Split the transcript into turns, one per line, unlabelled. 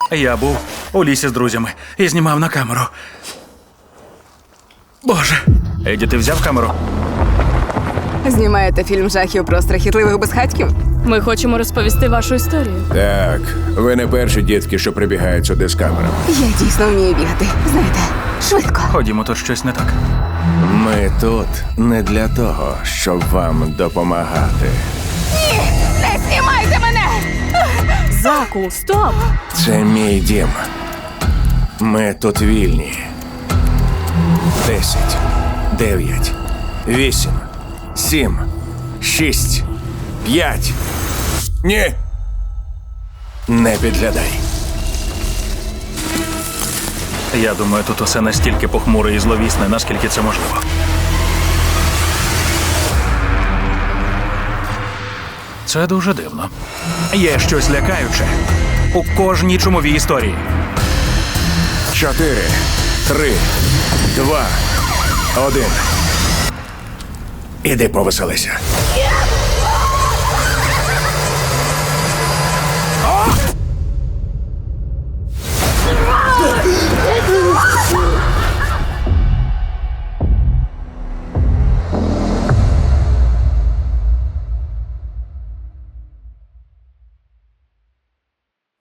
Я був у лісі з друзями і знімав на камеру. Боже. Еді, ти взяв камеру?
Знімаєте фільм жахів про страхітливих безхатьків?
Ми хочемо розповісти вашу історію.
Так, ви не перші дітки, що прибігають сюди з камерами.
Я дійсно вмію бігати. Знаєте, швидко.
Ходімо, тут щось не так.
Ми тут не для того, щоб вам допомагати.
Не знімайте мене!
Заку, стоп!
Це мій дім. Ми тут вільні. 10, 9, 8, 7, 6, 5. Ні! Не підглядай.
Я думаю, тут усе настільки похмуре і зловісне, наскільки це можливо. Це дуже дивно. Є щось лякаюче у кожній чумовій історії.
4, 3, 2, 1. Іди повеселися.